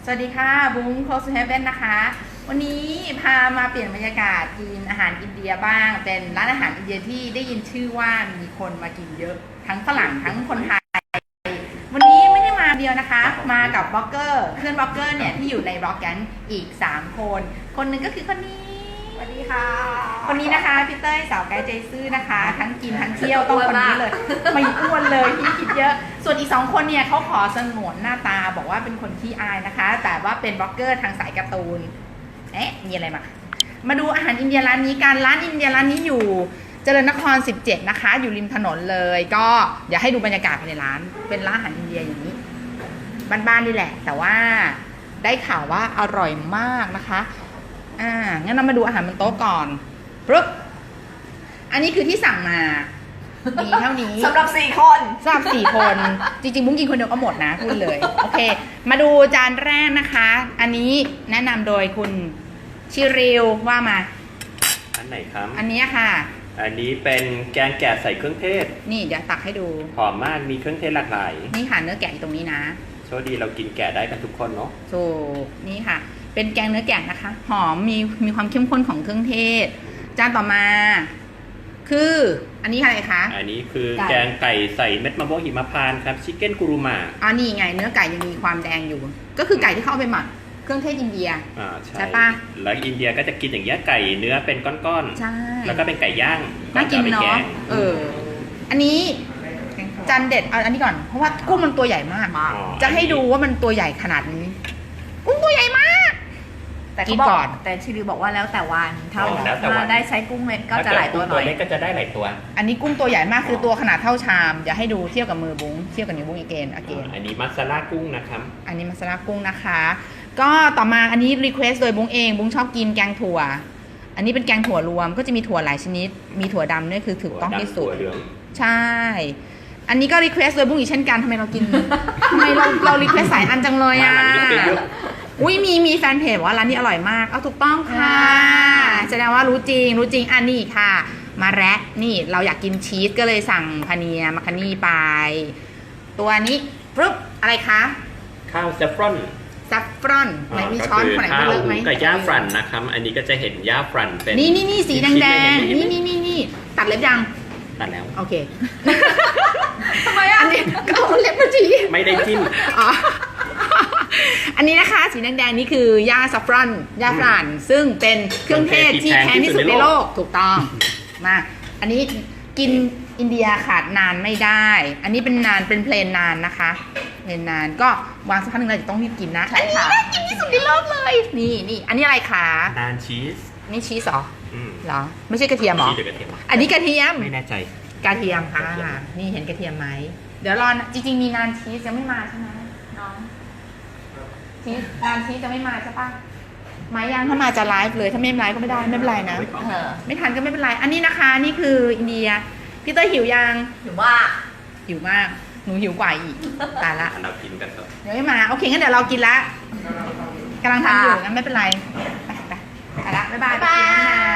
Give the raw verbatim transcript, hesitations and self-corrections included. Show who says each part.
Speaker 1: วัสดีค่ะบุ้ง Close to Heaven นะคะวันนี้พามาเปลี่ยนบรรยากาศกินอาหารอินเดียบ้างเป็นร้านอาหารอินเดียที่ได้ยินชื่อว่ามีคนมากินเยอะทั้งฝรั่งทั้งคนไทยวันนี้ไม่ได้มาเดียวนะคะมากับบล็อกเกอร์เพื่อนบล็อกเกอร์เนี่ยที่อยู่ในบล็อกแก๊งอีกสามคนคนหนึ่งก็คือคนนี้สวัสดีค่ะคนนี้นะคะพี่เต้ยสาวไกด์ใจซื่อนะคะทั้งกินทั้งเที่ยวต้องคนนี้เลยไม่อ้วนเลยที่คิดเยอะส่วนอีกสองคนเนี่ยเขาขอสงวนหน้าตาบอกว่าเป็นคนขี้อายนะคะแต่ว่าเป็นบล็อกเกอร์ทางสายการ์ตูนเอ๊ะมีอะไรมามาดูอาหารอินเดียร้านนี้กันร้านอินเดียร้านนี้อยู่เจริญนครสิบเจ็ดนะคะอยู่ริมถนนเลยก็เดี๋ยวให้ดูบรรยากาศภายในร้านเป็นร้านอาหารอินเดียอย่างนี้บ้านๆนี่แหละแต่ว่าได้ข่าวว่าอร่อยมากนะคะอ่างั้นเรามาดูอาหารบนโต๊ะก่อนปึ๊บอันนี้คือที่สั่งมามีเท่านี้
Speaker 2: สำหรับสี่คน
Speaker 1: สำหรับสี่คนจริงๆบุ้งกินคนเดียวก็หมดนะพูดเลยโอเคมาดูจานแรกนะคะอันนี้แนะนำโดยคุณชิริวว่ามา
Speaker 3: อันไหนครับ
Speaker 1: อันนี้ค่ะ
Speaker 3: อันนี้เป็นแกงแกะใส่เครื่องเทศ
Speaker 1: นี่เดี๋ยวตักให้ดู
Speaker 3: หอมมากมีเครื่องเทศหลากหลาย
Speaker 1: นี่ค่ะเนื้อแกะอยู่ตรงนี้นะ
Speaker 3: โชคดีเรากินแกะได้กันทุกคนเนาะ
Speaker 1: ถูกนี่ค่ะเป็นแกงเนื้อแกะนะคะหอมมีมีความเข้มข้นของเครื่องเทศจานต่อมาคืออันนี้อะไรคะ
Speaker 3: อันนี้คือแกงไก่ใส่เม็ดมะม่วงหิมพานต์ครับชิคเก้นกุรุมา
Speaker 1: อ๋อนี่ไงเนื้อไก่ยังมีความแดงอยู่ก็คือไก่ที่เขาเอาไปหมักเครื่องเทศอินเดีย
Speaker 3: อ่าใช่ปะแล้วอินเดียก็จะกินอย่างเงี้ยไก่เนื้อเป็นก้อน
Speaker 1: ๆใช่
Speaker 3: แล้วก็เป็นไก่ย่าง
Speaker 1: น่ากินเนาะเอออันนี้จานเด็ดเอาอันนี้ก่อนเพราะว่ากุ้งมันตัวใหญ่มากจะให้ดูว่ามันตัวใหญ่ขนาดนี้กุ้งตัวใหญ่มาก
Speaker 2: แต่กินก่อนแต่ชิริบอกว่าแล้วแต่วันถ้าถ้าได้ใช้กุ้งเม็ดก็จะหลายตัวหน่อย
Speaker 3: ตัวเล็กก็จะได้หลายตัว
Speaker 1: อันนี้กุ้งตัวใหญ่มากคือตัวขนาดเท่าชามอย่าให้ดูเทียบกับมือบุ้งเทียบกับนิ้วบุ้งอีกเกนอเกน
Speaker 3: อันนี้มัสลากุ้งนะครับ
Speaker 1: อันนี้มัสลากุ้งนะคะก็ต่อมาอันนี้รีเควสโดยบุ้งเองบุ้งชอบกินแกงถั่วอันนี้เป็นแกงถั่วรวมก็จะมีถั่วหลายชนิดมีถั่วดำนี่คือถูกต้องที่สุดใช่อันนี้ก็รีเควสโดยบุ้งอีกเช่นกันทำไมเรากินทำไมเราเรารีเควสสายอันจังเลยอ่ะอุ้ยมีมีแฟนเพจว่าร้านนี้อร่อยมากเอาถูกต้องค่ะแสดงว่ารู้จริงรู้จริงอันนี้ค่ะมาแรดนี่เราอยากกินชีสก็เลยสั่งพาเนียมาคานี่ไปตัวนี้ปึ๊บอะไรคะ
Speaker 3: ข้าวเซฟรอน
Speaker 1: ซัฟฟรอนไหนมีช้อนคนไหนเลือกไหม
Speaker 3: กับย่าฟรันนะครับอันนี้ก็จะเห็นย่าฟรันเป็น
Speaker 1: นี่นี่นี่สีแดงแดงนี่นี่นี่นี่ตัดเล็บยัง
Speaker 3: ตัดแล้ว
Speaker 1: โอเคทำไมอ่ะอันนี้ก็เอาเล็บมาจี
Speaker 3: ไม่ได้จิ้ม
Speaker 1: อ๋ออันนี้นะคะสีแดงๆนี่คือยาซัฟฟรอนยาฟรันซึ่งเป็นเครื่องเทศที่แพงที่สุดในโลกถูกต้องมาอันนี้กินอินเดียขาดนานไม่ได้อันนี้เป็นนานเป็นเพลนนานนะคะเพลนนานก็วางสักพักหนึ่งเราจะต้องรีบกินนะอันนี้น่ากินที่สุดในโลกเลยนี่นี่อันนี้อะไรคะ
Speaker 3: นานชีส
Speaker 1: นี่ชีสเหรอเหรอไม่ใช่กระเทียมหรออันนี้กระเทียม
Speaker 3: ไม่แน่ใจ
Speaker 1: กระเทียมค่ะนี่เห็นกระเทียมไหมเดี๋ยวรอจริงๆมีนานชีสยังไม่มาใช่ไหมน้องชีสนานชีสจะไม่มาใช่ปะมายังถ้ามาจะไลฟ์เลยถ้าไม่ไลฟ์ก็ไม่ได้ไม่เป็นไรนะไม่ทันก็ไม่เป็นไรอันนี้นะคะนี่คืออินเดียพี่เต้ยหิวยัง
Speaker 2: หิวมาก
Speaker 1: หิวมากหนูหิวกว่าอีกตายละ
Speaker 3: เรากินกันเถอะ
Speaker 1: เดี๋ยวไม่มาโอเคงั้นเดี๋ยวเรากินละกำลังทำอยู่งั้นไม่เป็นไรไปไปไปละบ๊ายบายไปกินนะ